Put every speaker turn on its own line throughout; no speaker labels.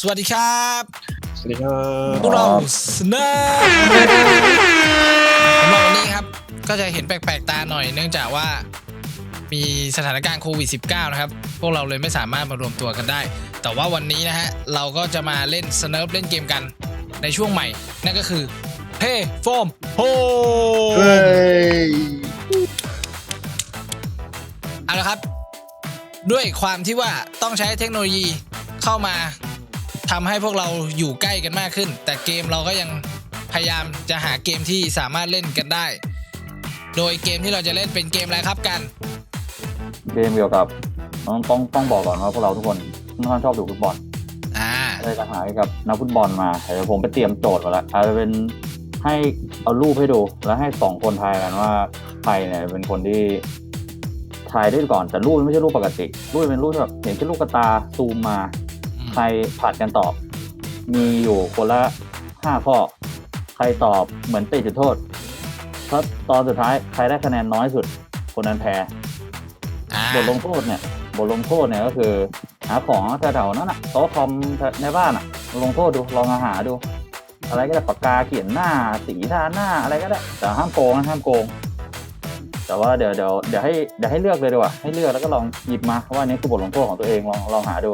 สวัสดีครับ
สวัสดีครับ
พวกเราสเนอร์สำหรับวันนี้ครับก็จะเห็นแปลกๆตาหน่อยเนื่องจากว่ามีสถานการณ์โควิด -19 นะครับพวกเราเลยไม่สามารถมารวมตัวกันได้แต่ว่าวันนี้นะฮะเราก็จะมาเล่นสเนิร์ฟเล่นเกมกันในช่วงใหม่นั่นก็คือเพย์โฟมโฮเอาละครับด้วยความที่ว่าต้องใช้เทคโนโลยีเข้ามาทำให้พวกเราอยู่ใกล้กันมากขึ้นแต่เกมเราก็ยังพยายามจะหาเกมที่สามารถเล่นกันได้โดยเกมที่เราจะเล่นเป็นเกมอะไรครับกัน
เกมเกี่ยวกับต้องบอกก่อนว่าพวกเราทุกคนค่อนข้างชอบดูฟุตบอลเลยจะหากับนักฟุตบอลมาเดี๋ยวผมไปเตรียมโจทย์มาแล้วอาจจะเป็นให้เอารูปให้ดูแล้วให้2คนทายกันว่าใครเนี่ยเป็นคนที่ทายได้ก่อนแต่รูปไม่ใช่รูปปกติรูปเป็นรูปแบบเห็นแค่ลูกกระตาซูมมาใครผัดกันตอบมีอยู่คนละ5ข้อใครตอบเหมือนติดจุดโทษถ้าตอนสุดท้ายใครได้คะแนนน้อยสุดคนนั้นแพ้บทลงโทษเนี่ยก็คือหาของแถวๆนั้นน่ะโต๊ะคอมในบ้านน่ะลงโทษดูลองหาดูอะไรก็ได้ปากกาเขียนหน้าสีทาหน้าอะไรก็ได้แต่ห้ามโกงนะห้ามโกงแต่ว่าเดี๋ยวให้เลือกเลยดีกว่าให้เลือกแล้วก็ลองหยิบมาว่านี้คือบทลงโทษของตัวเองลองหาดู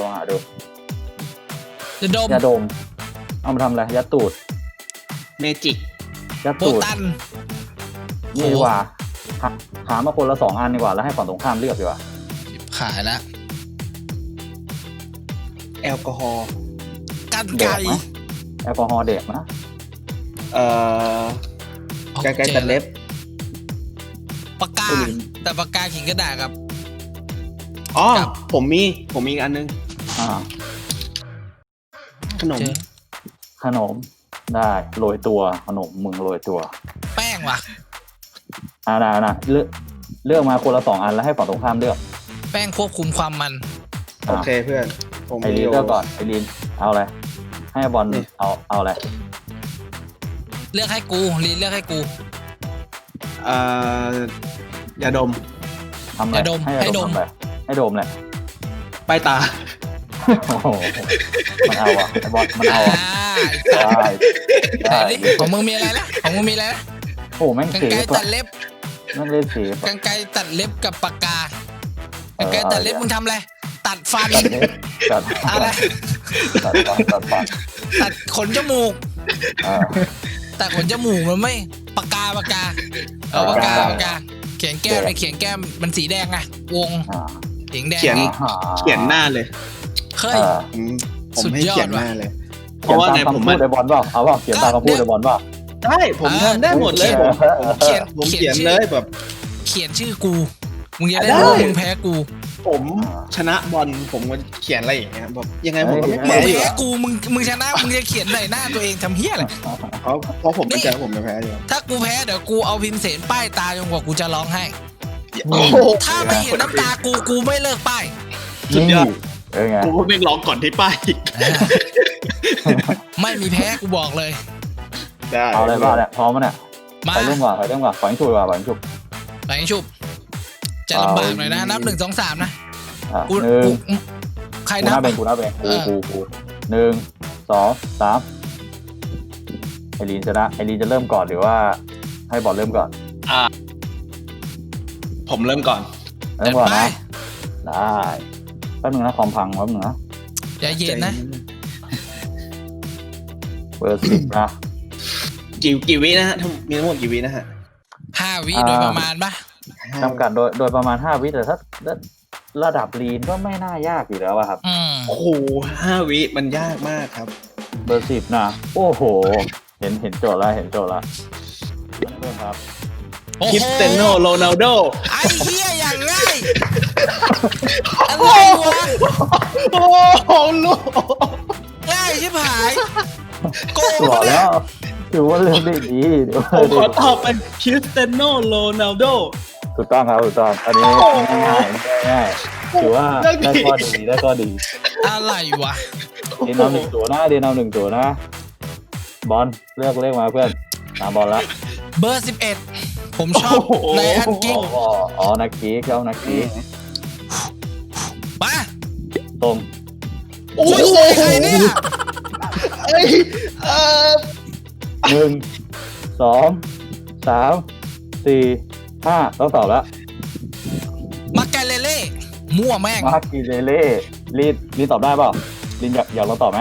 ยาดมเอามาทำอะไรยัดตูด
เมจิก
ยัดตูดนี่ดีกว่าหามาคนละ2 อันดีกว่าแล้วให้ฝั่งตรงข้ามเลือกดีกว่า
ขายแล้ว
แอลกอฮอล์
กันไก่
แอลกอฮอล์เด็กนะ
กันไก่ตัดเล็บ
ปากกาแต่ปากกาขิงกระดาษครับ
อ๋อผมมีอีกอันนึงขนม
ได้โรยตัวขนมมึงโรยตัว
แป้งว่ะ
นะเลือกมาคนละ2 อันแล้วให้ฝั่งตรงข้ามเลือก
แป้งควบคุมความมัน
โอเคเพื่อน
ไอรีนเลือกก่อนไอรีนเอาอะไรให้บอลเอาอะไร
เลือกให้กูรีนเลือกให้กู
ยาดม
ทำอะไรให้ดมแหละ
ป้ายตา
โอ้โหมันเอาไอบอลมันเอา
ได้ของมึงมีอะไรนะ
โอ้แม่ง
กรรไกรตัดเล็บ
แม่งเล่นสี
กรรไกรตัดเล็บกับปากกากรรไกรตัดเล็บมึงทำอะไรตัดฟันอะไรตัดขนจมูกตัดขนจมูกมันไม่ปากกาปากกาเขียนแก้มมันสีแดงไงวงเขียนแดง
เขียนหน้าเลย
เคย
ผมให้เขียนหน้าเลย
เพราะว่าไงผมได้บอลเปล่าเอาเปล่าเขียนตามคำพูดได้บอลเปล่า
ได้ผมทำได้หมดเลยผมเขียนเลยแบบ
เขียนชื่อกูมึงจะได้รู้มึงแพ้กู
ผมชนะบอลผมก็เขียนอะไรอย่างเงี้ยแบบยังไงผมก็ไม่
แพ้กูมึงชนะมึงจะเขียนใส่หน้าตัวเองทำเหี้ยอะไร
เพราะผมไม่เจอผมจะแพ้อยู่
ถ้ากูแพ้เดี๋ยวกูเอาพิมพ์เสนป้ายตาจนกว่ากูจะร้องไห้ถ้าไม่เห็นน้ำตากูไม่เลิกป้าย
สุดยอดกูไม่ร้องก่อนที่ป้าย
ไม่มีแพ้กูบอกเลย
เอาอะไรบ้างเนี่ยพร้อมมั้ยเนี่ยไปเริ่มก่อนฝังฉุบ
จะลำบากหน่อยนะนับ1 2 3นะกูใครนับ
กู1 2 3ไอรีนชนะไอรีนจะเริ่มก่อนหรือว่าให้บอลเริ่มก่อน
ผมเริ่มก่อน
นะได้แป๊บนึงนะคอมพังแป๊บนึงนะ
ใจเย็นนะ
เบอร์10นะ
กี่วินะฮะมีทั้งหมดกี่วินะฮะ
5 วิโดยประมาณป่ะ
จำกัดโดยประมาณ5 วิแต่ถ้าระดับลีนก็ไม่น่ายากอยู่แล้วครับ
โอ้โห5 วิมันยากมากครับ
เบอร์10นะโอ้โหเห็นโจทย์แล้วเริ่มครับ
คริสเตียโนโรนัลโด
ไอ้เหี้ยอย่างง่ายอะไรวะ
โอ้โหลูก
ง่ายชิบหายโกง
แล้วถือว่าเรื่องได้ดี
ผมขอตอบเป็นคริสเตียโนโรนัลโด
ถูกต้องครับถูกต้องอันนี้ง่ายถือว่าได้ข้อดี
อะไรวะ
เดี๋ยวนำ1 ตัวนะบอลเลือกเลขมาเพื่อนตามบอลละ
เบอร์11ผมชอบในอันกิ๊ก
นักกิ๊กมาตรง
โอ้โห
ใครเนี่ย
เอ้ย
1 2 3 4 5ต้องตอบแล้ว
มาแกเลเล่มั่วแม่ง
มาร์กิเลเล่ลินตอบได้เปล่าลินอยากลองตอบไหม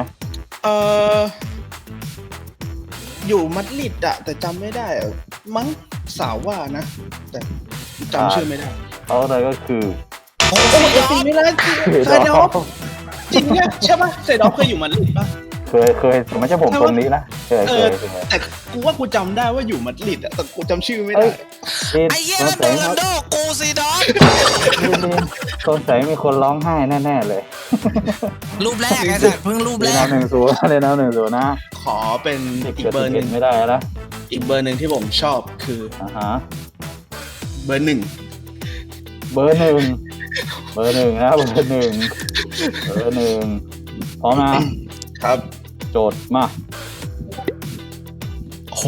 อยู่มัดริดอะแต่จำไม่ได้อะมั้งสาวว่านะ แต่จำชื่อไม่ได้
เขาเลยก็คือ
โอ้
โอ้
ย
ยจริงไม่ได้เซดอฟจริงเนี่ยใช่ป่ะเซดอฟเคยอยู่มัดริดป่ะ
เคยไม่ใช่ผมคนนี้นะเคย
แต่กูว่ากูจำได้ว่าอยู่มัดริดอะแต่กูจำชื่อไม่ได้
ลิน
ไอ้เหี้ย
ส
นั่
ง
น
สัย
โรนัลโดกูซีดอน
ลินสงสัยมีคนร้องไห้แน่ๆเลย
รูปแรกไอ้สัตว์เพิ่งรูป
เล
แร
น
ก
เอา1-0เลยนะ1-0นะ
ขอเป็น
10
อีก
กับ
เบอร์หนึ่ง
11ไม่ได้แล้ว
อีกเบอร์หนึ่งที่ผมชอบคือ
ฮะ
เบอร์หนึ่ง
เบอร์ 1นะเบอร์ 1พร้อมนะครับ โจทย์มา
โห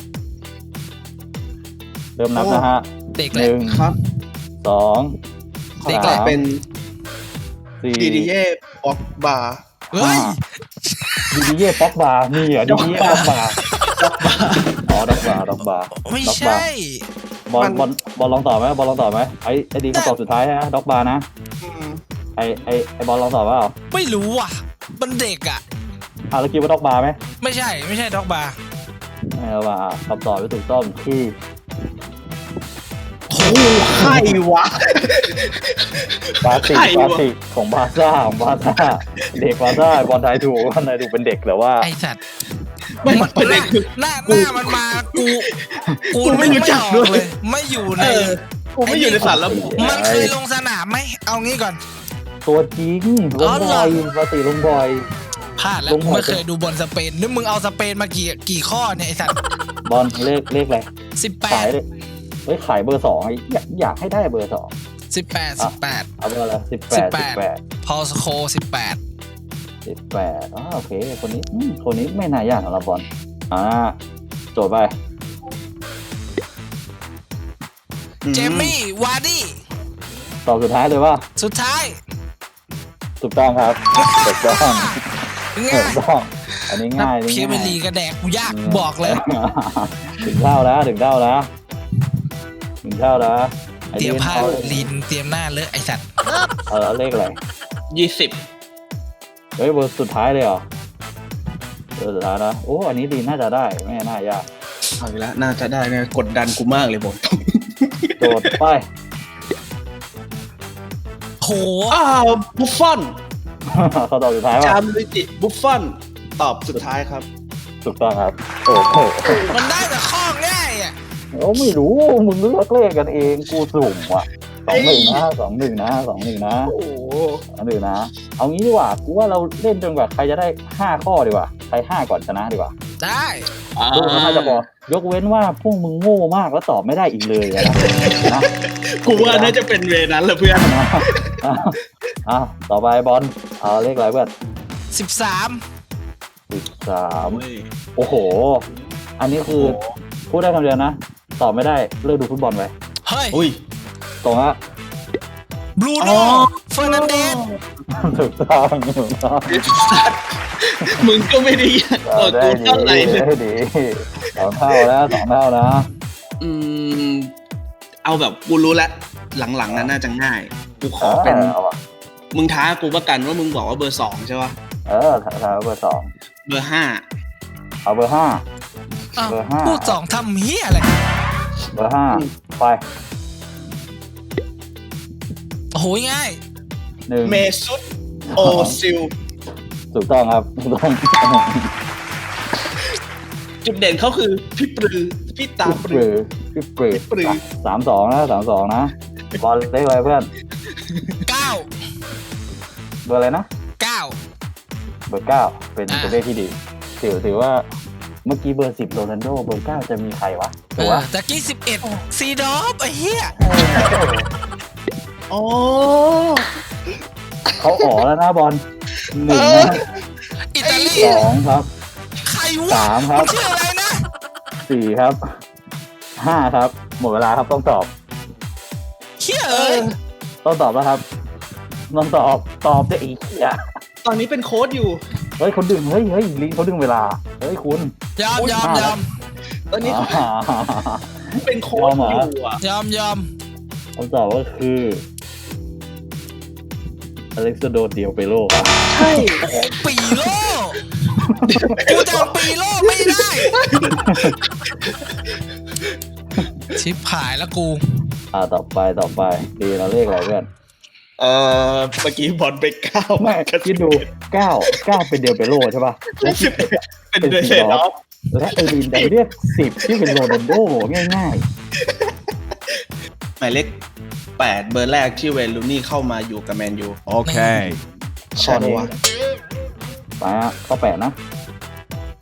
เริ่มนับนะฮะ
เด็กเลย
ครับ
1 2
เด็ก
ก็
แหละ
เป็น
3
ดีดีเย่บ็อกบาร์
เฮ้ย
4ดีเย่ป๊อกบาร์มีเหรอดีเย่ป๊อกบาร์อ๋อด็อกบาร์
ไม่ใช่
บอลลองตอบไหมไอ้ดีคำตอบสุดท้ายนะด็อกบาร์นะไอ้บอลลองตอบว่า
ไม่รู้ว่ะมันเด็กอ่ะ
แล้วคิดว่าด็อกบาร์ไหม
ไม่ใช่ด็อกบาร์
ไม่เอาว่าคำตอบที่ถูกต้องคือ
โอ้ใครวะ
บาติของบาซ่าเด็กบาซ่าบอลไทยถูกเป็นเด็กแต่ว่า
ไอ้สัตว์
ไม่เป็นเด็กคือ
หน้ามันมากู
ไม่รู้จักด้วย
เลยไม่อยู่ใน
กูไม่อยู่ในสารระบบ
มันเคยลงสนามไหมเอางี้ก่อน
ตัวจริงลงบอยปกติลงบอย
พลาดแล้ว
ลง
กู
หมด
ไม่เคยดูบอลสเปนนึกมึงเอาสเปนมากี่ข้อเนี่ยไอ้สัตว์
บอลเลขอะไร
18
ขายเลยขายเบอร์ 2อยากให้ได้เบอร์
18
เอาเบอร์อะไร18
พอสโค18
โอเคคนนี้ไม่น่ายากสำหรับบอลโจทย์ไป
เจมี่วาร์ดี้
ตอบสุดท้ายเลยว่า
สุดท้าย
ถูกต้องครับถูกต้อง
ง่าย
ถูกต้องอันนี้ง่าย
เพียร์เมลีกระแดกกูยากบอกเลย
ถึงเท่าแล้ว
เตรียมผ้าลินเตรียมหน้าเลอะไอสัตว์
เลขอะไร
20
เฮ้ยเบอร์สุดท้ายเลยเหรอเบอร์สุดท้ายนะโอ้อันนี้ดีน่าจะได้ไม่น่ายาก
เอาอีกแล้วน่าจะได้เนี่ยกดดันกูมากเลยบอก
โจทย์ไป
โห
บุฟฟอน
เขาตอบสุดท้ายว่า
จามลิจิบุฟฟอนตอบสุดท้ายครับ
ถูกต้องครับโอ้โห
มันได้แต่ข้อง่ายอ่ะ
ไม่รู้มึงเลือกเลขกันเองกูสุ่มว่ะ2-1นะ2-1นะ
โอ้โห
2-1นะเอางี้ดีกว่ากูว่าเราเล่นจนกว่าใครจะได้5ข้อดีกว่าใคร5ก่อนชนะดีกว่า
ได้
ดูน่าจะพอยกเว้นว่าพวกมึงโง่มากแล้วตอบไม่ได้อีกเลยนะ
กูว่าน่าจะเป็นเวนั้นแหละเพื่อน
ต่อไปบอลเอาเลขอะไรเพื่อน
13
13โอ้โหอันนี้คือพูดได้คำเดียวนะตอบไม่ได้เลิกดูฟุตบอลไป
เฮ้ย
อุ้ย
ตรงฮะ
บรูโน่เฟอร์นันเดส
ถูกต้อง
มึงก็ไม่ได้กูเท่าไหร่เลย
ได้ดี2 เท่าแล้ว2 เท่านะ
เอาแบบกูรู้แล้วหลังๆนั้นน่าจะง่ายกูขอเป็นมึงท้ากูประกันว่ามึงบอกว่าเบอร์2ใช่ป่ะ
ถ้าเบอร์
เบอร์
2เอาเบอร์5เบอร์5
พูด2ทำเฮียอะไร
เบอร์5ไป
โอ้โหง่าย
1
เมซุตโอซิล
ถูกต้องครับถูกต้อง
จุดเด่นเขาคือพี่ตาปรือ
พี่ปรือ32นะ32นะบอลเลขอะไรเพื่อน
9
เบอร์อะไรนะ
9
เบอร์9เป็นเลขที่ดีถือว่าเมื่อกี้เบอร์10โรนัลโดเบอร์9จะมีใครวะถูกปะ
ตะกี้11ซีดอฟไอ้เหี้ย
อ๋อ
เขาอ๋อแล้วนะบอล1นะ
อิตาลี
2ครับ
ใครวะ
3ครับ
มันชื่ออะไรนะ
4ครับ5ครับหมดเวลาครับต้องตอบ
เฮียเอ้ย
ต้องตอบแล้วครับต้องตอบได้อีกอ่ะ
อนนี้เป็นโค้ชอยู่
เฮ้ยคนดึงเฮ้ยลิงเขาดึงเวลาเฮ้ยคุณ
ยอม
ตอนนี้เป็นโค้ชอยู่อ่ะ
ยอม
คำตอบก็คืออเล็กซานโดเดียวเปโลครับ
ใช่
ปีโลกูจำปีโลไม่ได้ ชิบหายแล้วกู
ต่อไปดีเราเลขอะไรเพื่อน
เมื่อกี้บอลไป9
ไม่คิดดู9เป็นเดียวเปโลใช่ป่ะและ
เป็นเดเซนอฟ
และเอรินดันเรียก10ที่เป็นโรนัลโดง่าย
หมายเลข8เบอร์แรกที่เวย์ลูนี่เข้ามาอยู่กับแมนยู
โอเค
ใช่วะ
ๆไปฮะข้อ8นะไป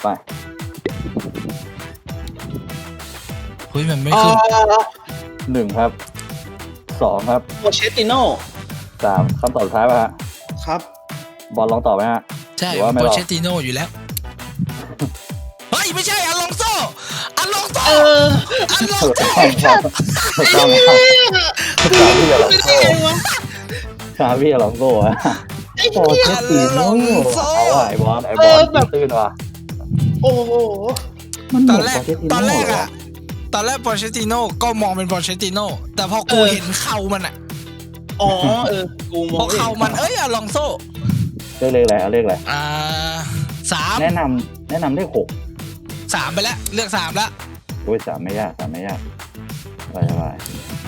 เฮ้ยมันไม่ขึ้น
1ครับ2ครับ
โปเชตติโน่
3คำตอบสุดท้ายป่ะฮะ
ครับ
บอลลองตอบไหมฮะ
ใช่
หรือว่าไม่
โป
หรอก
เชตติโนอยู่แล้ว เฮ้ย ไม่ใช่อลองโซอลองโซ
เออ
อลอง
ถูก
โซ
ต้องครับถูกต้องครับชาพี่อลองโซ่ชาพี่อลองโซ่อะโปเชตติโน่เอาว่ะไอ้บอลตื่นว่ะ
โอ้โห
มัน
ต
เห
อน
มือน
แร
โป
ก
เชตติ
ตอน
โน่
แรก
เหรอ
อะตอนแรกโปเชตติโนก็มองเป็นโปเชตติโนแต่พอกูเห็นเข่ามันอะ
อ๋อกูม
พ
อ
อง เข่ามันอลองโซ
เลขอะไรเอาเลขอะไร
3
แนะนำเลข6
3ไปแล้วเลือก3แล้ว
โอ้ย3ไม่ยากสบาย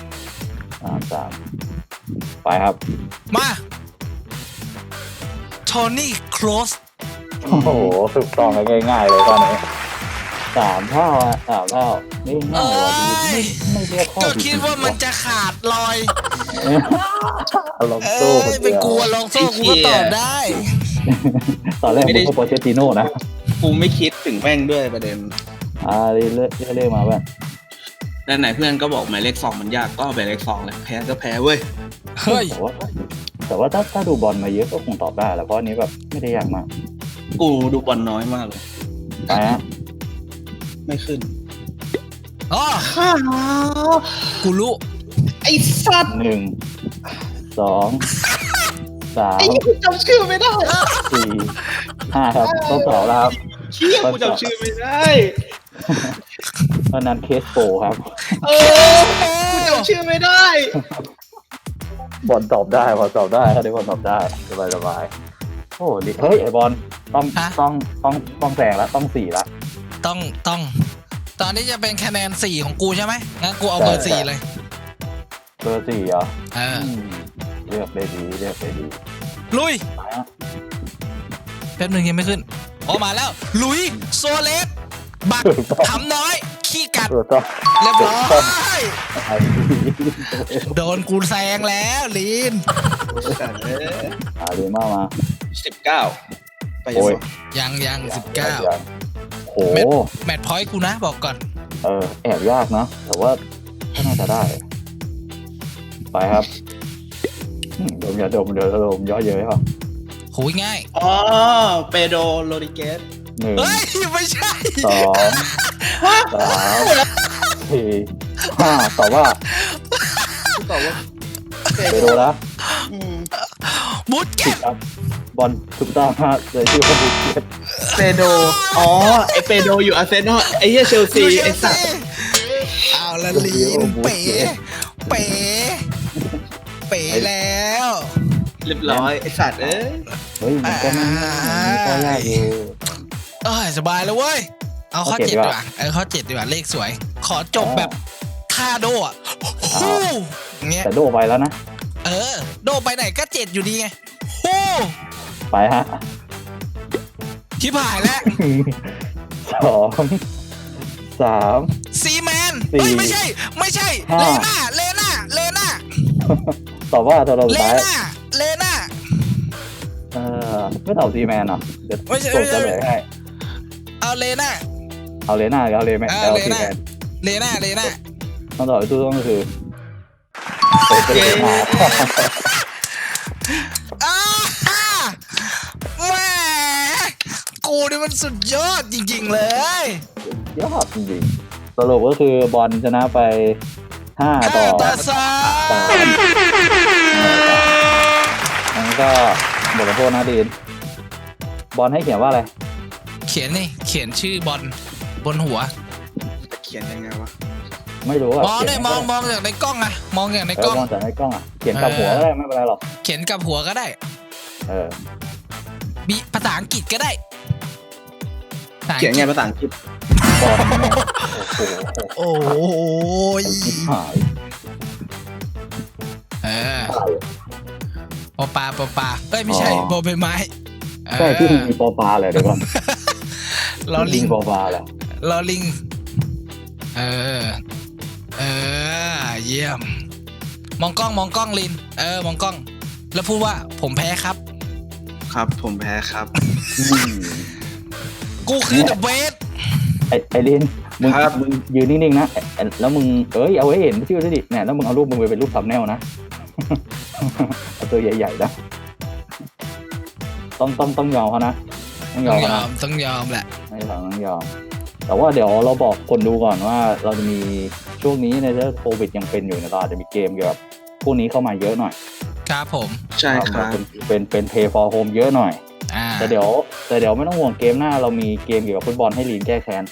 3ไปครับ
มาโทนี่โคลส
โอ้โหถูกต้องง่ายๆเลยตอนนี้3 เท่าอ่ะ3 เท่านี่ง่ายกว่าดีไม่เรียกข้อ
ก็
ผิด
คิดว่ามันจะขาดลอย
ลองโซ่คน
ไป
เดียว
กลัวลองโซ่กูก็ตอบได้
ตอนแรกผมก็โปเชตติโน่นะ
กูไม่คิดถึงแม่งด้วยประเด็น
เรียกมาเพื่อน
ด้านไหนเพื่อนก็บอกหมายเลข2มันยากก็เอาหมายเลข2เลยแพ้ก็แพ้เว้ย
เฮ้ย
แต่ว่าถ้าดูบอลมาเยอะก็คงตอบได้แหละเพราะอันนี้แบบไม่ได้ยากมาก
กูดูบอลน้อยมากเลย
ไปฮะ
ไม่ขึ้น
อ๋อ
ข้า
กูรู้
ไอ้สัตว์
1 2
ไอ้
3
กูจำชื่อไม่ได้
4 5ครับต้องตอบแล้วครับ
เชี่ยกูจำชื่อไม่ได้
เพราะนั้นเคสโปครับ
กูจำชื่อไม่ได้
บอลตอบได้ครับได้บอลตอบได้สบายโอ้ดิเฮ้ยไอบอลต้องแซงแล้วต้อง4ละ
ต้องตอนนี้จะเป็นคะแนน4ของกูใช่ไหมงั้นกูเอาเบอร์4เลย
เบอร์4เหรอ
เออ
เลือกได้ดี
ลุย
ไปฮะ
แป๊บนึงยังไม่ขึ้นออกมาแล้วลุยโซเลสบักขำน้อย ขี้กัด
ถูกต้อง
เรียบร้อย
ไอ้
โดนกูแซงแล้วลีน
ดีมากมา
19 ไป
โอ้ย
ยัง19
โห
แมตช์พอยต์กูนะบอกก่อน
แอบยากนะแต่ว่าก็น่าจะได้ ไปครับดมอย่าดมเดี๋ยวย่อเยอะป่ะ
โหยง่าย
อ๋อเปโดโรดิเกส
1
เฮ้ย ไม่ใช่
2 3 4 5ตอบว่า
ตอบว่า
เปโดนะ
บูทเก็ต
ครับบอลถูกต้องฮะเลยชื่อว่าบูเกต
เปโดอ๋อไอเปโดอยู่อาร์เซนอลไอเหี้ยเชลซีไอสัตว์
เอาละลีนเป๋แล้ว
เรียบร้อยไอสัตว์เอ้ย
เฮ้ยมันก็ไม่ค่อยยากอยู่
สบายแล้วเว้ย เอาข้อ
ข้อ
7
7
ดีกว่าข้อ7ดีกว่าเลขสวย ขอจบแบบท่าโดอ่ะฮู้อย่างเงี้ย
แต่โดไปแล้วนะ
โดไปไหนก็7อยู่ดีไงฮู้
ไปฮะ
ชิบหายแล้ว
2 3
ซีแมน
สี่
เฮ้ยไม่ใช่
ห้า
เลน่า
ตอบว่าตัวเราสุ
เล
ดท้าย
น่า
ไม่ตอบซีแมนเหรอเดี๋ยว
ไม่ใช่
กดเฉลยให้
เอาเลน่า
เอาเลน่าเอาเลแมนเอาซีแมน
เลน่า
ต้องตอบที่ถูกต้องก็คือ
เย้
อ้าแหม่กูนี่มันสุดยอดจริงๆเลย
ยอดจริงๆสรุปก็คือบอลชนะไป5 ต่อ
3
3งั้นก็บทลงโทษนะดีนบอลให้เขียนว่าอะไร
เขียนนี่เขียนชื่อบอลบนหัว
เขียนยังไงวะ
ไม่รู้อะ
มอง
ขี
เลย
น
มองจากในกล้องอะมองอย่างใน
เอก
ล้
อ
อง
มองจากในกล้องอะเขียนกับหัวก็ได้ไม่เป็นไรหรอก
เขียนกับหัวก็ได้
เออ
ภาษาอังกฤษก็ได้
เขียนไงภาษาอังกฤษ
บอลเนี่ยโอ้โห
โอ้ย
ไอ้ชิบหาย
เออ
อะไร
ปอปลาเอ้ยไม่ใช่บอใบไม้
ใช่ที่มันมีปอปลาเลยเดี๋ยวก่อน
ลอลิง
มีปอปลาแหละ
ลอลิงเออเยี่ยมมองกล้องลินมองกล้อง แล้วพูดว่าผมแพ้ครับ
ครับผมแพ้ครับ
กูคือเดอะเบส
ไอ้ลินมึง
ครับ
มึงยืนนิ่งๆนะแล้วมึงเอาไว้เห็นชื่อด้วยดิเนี่ยแล้วมึงเอารูปมึงไปเป็นรูปซัมเนลนะ เอาตัวใหญ่ๆนะต้องยอมเขานะต้องยอมเขานะ
ต้องยอมแหละ
ไม่ต้องยอมแต่ว่าเดี๋ยวเราบอกคนดูก่อนว่าเราจะมีช่วงนี้ในเรื่องโควิดยังเป็นอยู่นะเราอาจจะมีเกมเกี่ยวกับพวกนี้เข้ามาเยอะหน่อย
ครับผม
ใช่ครับ
เป็น Play for Home เยอะหน่อย
อ่า
แต่เดี๋ยวไม่ต้องห่วงเกมหน้าเรามีเกมเกี่ยวกับฟุตบอลให้ลีนแก้แค้น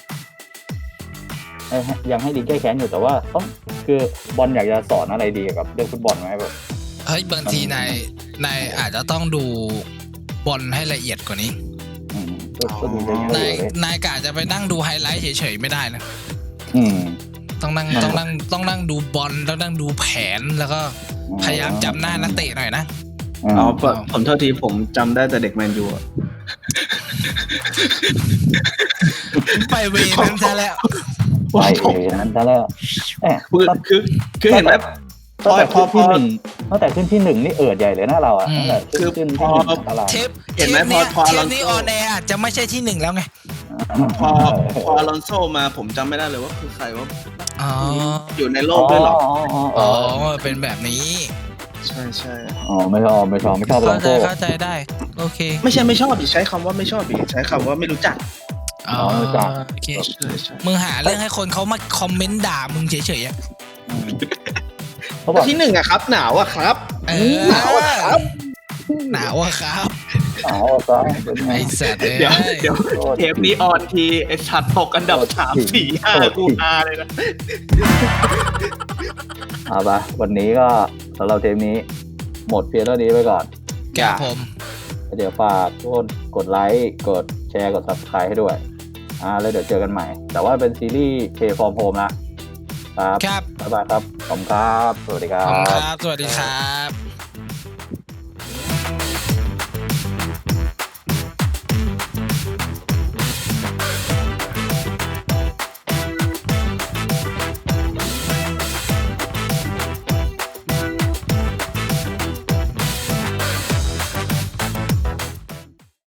ยังให้ลีนแก้แค้นอยู่แต่ว่าคือบอลอยากจะสอนอะไรดีเกี่ยวกับเรื่องฟุตบอลไหมแบบ
เฮ้ยบางทีนายอาจจะต้องดูบอลให้ละเอียดกว่านี้
อืมก็มีเยอะ
นาย
เลย
นายกะจะไปนั่งดูไฮไลท์เฉยๆไม่ได้นะ
อืม
ต้องนั่งดูบอลแล้วนั่งดูแผนแล้วก็พยายามจำหน้านักเตะหน่อยนะ
อ๋อผมโทษทีผมจำได้แต่เด็กแมนยูอะ
ไปเวนั้นซะแล้ว
ไปนั้นซะแล้วแหม
คือเห็นไหมพ
ตั้ง
อ
แต่
พอ
ขึ้น
พอ
ที่หนึ่งตั้งแต่ขึ้นที่หนึ่งนี่เใหญ่เลยนะเราอ่ะตั้งแต่ขึ้นที่หนึ่งตลาด
เทป
เห็นไหม
นี้
พอ
เท
อล
ป
อน
นี้
โซ
ออนแอร์อาจจะไม่ใช่ที่หนึ่งแล้วไง
พออลอนโซมาผมจำไม่ได้เลยว่าคือใครว่า
อ๋อ
อยู่ในโลกด้วยเหรอ
อ๋อเป็นแบบนี้
ใช่ใช่
อ๋อไม่ชอบลอง
เข้าใจได้โอเค
ไม่ชอบดิใช้คำว่าไม่ชอบดิใช้คำว่าไม่รู้จัก
อ๋อโอเค
ใช่ใช่
มึงหาเรื่องให้คนเขามาคอมเมนต์ด่ามึงเฉยๆอะ
เขาบอก
ที่หนึ่งอะครับ หนาวอะครับ
หนาวอะครับหนาวอะครับ
หนาวซะเป็นไง
ไอ้สัตว์
เดี๋ยวเทปนี้ออนทีไอชัดตกอันดับ3 4 5กูฮาเลยนะ
เอาปะวันนี้ก็สำหรับเทปนี้หมดเพียงเท่านี้ไปก่อน
แกผม
เดี๋ยวฝากทุกคนกดไลค์กดแชร์กด Subscribe ให้ด้วยแล้วเดี๋ยวเจอกันใหม่ แต่ว่าเป็นซีรีส์ Play from Home นะครับ
ครับ
บ๊ายบายครับขอบคุณครับสวัสดีครั
ขอบคุณค
บ
รับ สวัสดีครับ